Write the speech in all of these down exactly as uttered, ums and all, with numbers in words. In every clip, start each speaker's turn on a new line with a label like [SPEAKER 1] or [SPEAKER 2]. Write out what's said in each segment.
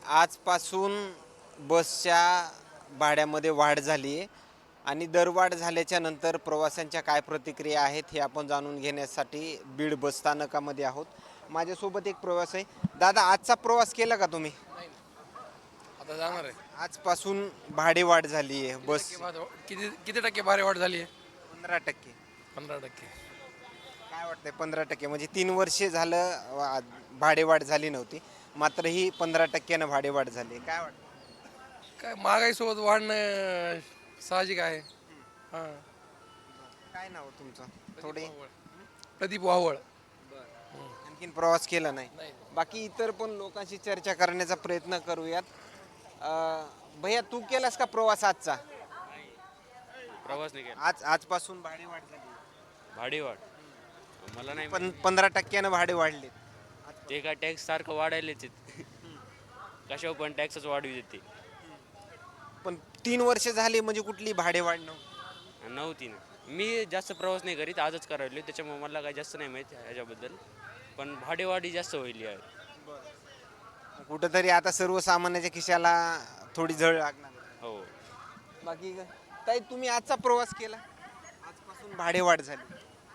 [SPEAKER 1] आजपासून बसच्या भाड्यामध्ये वाढ झाली आहे आणि दरवाढ झाल्याच्या नंतर प्रवाशांच्या काय प्रतिक्रिया आहेत हे आपण जाणून घेण्यासाठी बीड बस स्थानकामध्ये आहोत. माझ्यासोबत एक प्रवास आहे. दादा, आजचा प्रवास केला का तुम्ही?
[SPEAKER 2] आता जाणार आहे.
[SPEAKER 1] आजपासून भाडे वाढ झाली आहे बस
[SPEAKER 2] किती टक्के भाडे- किती किती टक्के भाडे वाढ झाली आहे?
[SPEAKER 1] पंधरा टक्के.
[SPEAKER 2] पंधरा टक्के.
[SPEAKER 1] काय वाटतंय? पंधरा टक्के म्हणजे तीन वर्षे झालं वा- भाडेवाढ झाली नव्हती, मात्र ही पंधरा टक्क्यानं भाडेवाढ झाली. काय वाटतं?
[SPEAKER 2] काय महागाईसोबत वाढणं साहजिक आहे. हां.
[SPEAKER 1] काय नाव तुमचं? थोडे
[SPEAKER 2] प्रदीप वावळ.
[SPEAKER 1] आणखीन प्रवास केला नाही.
[SPEAKER 2] नाही.
[SPEAKER 1] बाकी इतर पण लोकांशी चर्चा करण्याचा प्रयत्न करूयात. अं, भैया, तू केलास का प्रवास आजचा?
[SPEAKER 3] प्रवास नाही केला.
[SPEAKER 1] आज आजपासून भाडेवाढ झाली.
[SPEAKER 3] भाडेवाढ मला नाही
[SPEAKER 1] पण पंधरा टक्क्यानं भाडे वाढले.
[SPEAKER 3] माहित. ते काय टॅक्स सारखं वाढायलेच आहेत. कशावर पण टॅक्सच वाढवी देते.
[SPEAKER 1] पण तीन वर्ष झाले म्हणजे कुठली भाडेवाढ नव्हती.
[SPEAKER 3] नव्हती ना. मी जास्त प्रवास नाही करीत, आजच करायलो, त्याच्यामुळे मला काय जास्त नाही माहीत ह्याच्याबद्दल. पण भाडेवाढी जास्त होईल आहे.
[SPEAKER 1] कुठंतरी आता सर्वसामान्याच्या खिशाला थोडी झळ लागणार.
[SPEAKER 3] हो.
[SPEAKER 1] बाकी काय? ताई, तुम्ही आजचा प्रवास केला? आजपासून भाडेवाढ झाली.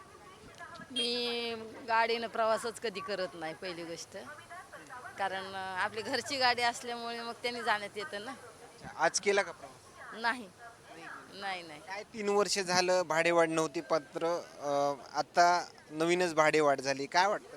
[SPEAKER 4] मी गाडीनं प्रवासच कधी करत नाही, पहिली गोष्ट. कारण अं, आपली घरची गाडी असल्यामुळे मग त्यांनी जाण्यात येतं ना.
[SPEAKER 1] आज केला का प्रवास?
[SPEAKER 4] नाही नाही नाही
[SPEAKER 1] काय तीन वर्ष झालं भाडेवाढ नव्हती, पात्र आता नवीनच भाडेवाढ झाली. काय वाटतं?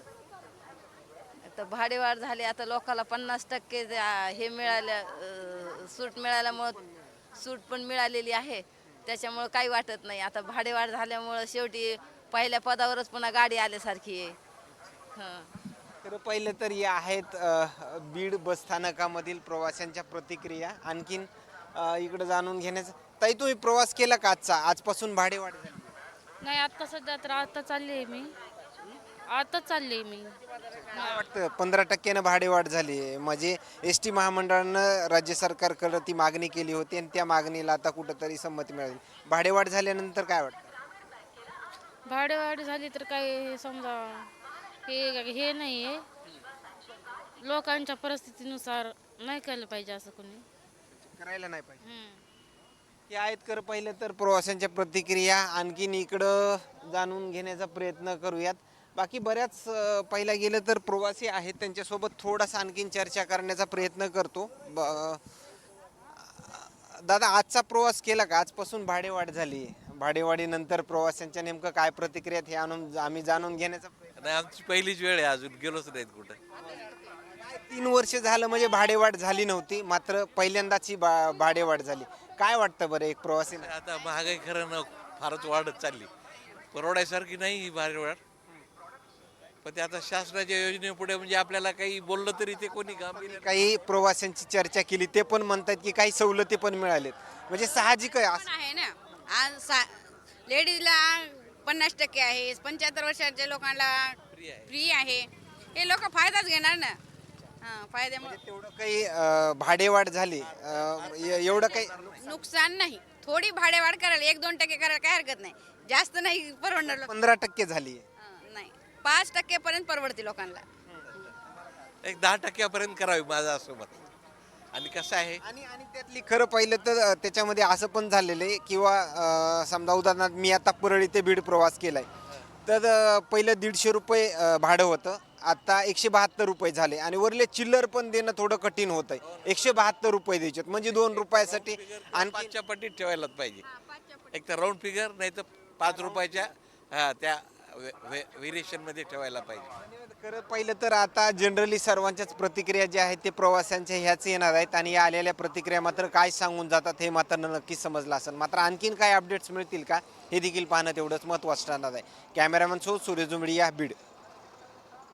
[SPEAKER 4] आता भाडेवाढ झाली. आता लोकाला पन्नास टक्के जे, आ, हे मिळाल्या अं, सूट मिळाल्यामुळं सूट पण मिळालेली आहे, त्याच्यामुळं काही वाटत नाही. आता भाडेवाढ झाल्यामुळं शेवटी पहिल्या पदावरच पुन्हा गाडी आल्यासारखी आहे. हां.
[SPEAKER 1] तर पहिलं तर या आहेत अ, बीड बसस्थानकामधील प्रवाशांच्या प्रतिक्रिया. आणखीन अ, इकडं जाणून घेण्याचं. ताई, तुम्ही प्रवास केला का आजचा? आजपासून भाडेवाढ झाली.
[SPEAKER 5] नाही, आता सध्या तर आता चालली आहे मी आता चालली आहे मी
[SPEAKER 1] काय वाटतं? पंधरा टक्क्यानं भाडेवाढ झाली आहे म्हणजे एस टी महामंडळानं राज्य सरकारकडे ती मागणी केली होती आणि त्या मागणीला आता कुठंतरी संमती मिळाली. भाडेवाढ झाल्यानंतर काय वाटतं?
[SPEAKER 5] भाडेवाढ झाली तर काय समजा हे हे नाही आहे, लोकांच्या परिस्थितीनुसार नाही केलं पाहिजे असं कोणी.
[SPEAKER 1] करायला नाही पाहिजे.
[SPEAKER 5] हम्म.
[SPEAKER 1] हे आहेत कर पहिलं तर प्रवाशांच्या प्रतिक्रिया. आणखीन इकडं जाणून घेण्याचा प्रयत्न करूयात. बाकी बऱ्याच अ, पाहिला गेलं तर प्रवासी आहेत, त्यांच्यासोबत थोडासा आणखीन चर्चा करण्याचा प्रयत्न करतो. ब- दादा, आजचा प्रवास केला का? आजपासून भाडेवाढ झाली. भाडेवाढीनंतर प्रवाशांच्या नेमकं काय प्रतिक्रिया आहेत हे आणून आम्ही जाणून घेण्याचा प्रयत्न.
[SPEAKER 6] नाही, आमची पहिलीच वेळ आहे, अजून गेलोच नाहीत कुठं.
[SPEAKER 1] तीन वर्ष झालं म्हणजे भाडेवाढ झाली नव्हती, मात्र पहिल्यांदाच ही बा भाडेवाढ झाली. काय वाटतं बरं एक प्रवासी?
[SPEAKER 6] आता महागाई खरं ना फारच वाढत चालली, परवडायसारखी नाही ही भारी वाढ. पण ते आता शासनाच्या योजनेपुढे म्हणजे आपल्याला काही बोललं तरी ते कोणी काम
[SPEAKER 1] काही प्रवाशांची चर्चा केली, ते पण म्हणतात की काही सवलती पण मिळालेत. म्हणजे साहजिक आहे असं.
[SPEAKER 7] पण आहे ना. आज सा लेडीजला पन्नास टक्के आहे, पंच्याहत्तर वर्षाच्या लोकांना फ्री आहे. हे लोक फायदाच घेणार ना. हां, फायद्यामुळे
[SPEAKER 1] तेवढं काही अं, भाडेवाढ झाली अं, ए- एवढं काही
[SPEAKER 7] नुकसान नाही. थोडी भाडेवाढ करायला एक दोन टक्के करायला काय हरकत नाही. जास्त नाही परवडणार लोक.
[SPEAKER 1] पंधरा टक्के झाली.
[SPEAKER 7] हां, नाही, पाच टक्केपर्यंत परवडते लोकांना.
[SPEAKER 6] एक दहा टक्क्यापर्यंत करावी माझं असं मत. आणि कसं आहे,
[SPEAKER 1] आणि आणि त्यातली खरं पाहिलं तर अं, त्याच्यामध्ये असं पण झालेलं आहे किंवा अं, समजा उदाहरणार्थ मी आता परळी ते बीड प्रवास केलाय, तर अं, पहिलं दीडशे रुपये अं, भाडं होतं, आता एकशे बहात्तर रुपये झाले आणि वरले चिल्लर पण देणं थोडं कठीण होत आहे. एकशे बहात्तर रुपये द्यायचे म्हणजे दोन रुपयासाठी. आणि
[SPEAKER 6] पाचच्या पट्टीत ठेवायलाच पाहिजे. एक तर राऊंड फिगर नाही तर पाच रुपयाच्या हा त्या व्हेरिएशन मध्ये ठेवायला पाहिजे.
[SPEAKER 1] खरं पाहिलं तर आता जनरली सर्वांच्याच प्रतिक्रिया ज्या आहेत ते प्रवाशांच्या ह्याच येणार आहेत आणि या आलेल्या प्रतिक्रिया मात्र काय सांगून जातात हे मात्र नक्कीच समजलं असेल. मात्र आणखीन काय अपडेट्स मिळतील का हे देखील पाहणं तेवढंच महत्त्वाचं ठरणार आहे. कॅमेरामॅन सो सूर्य जुंबडी, या बीड.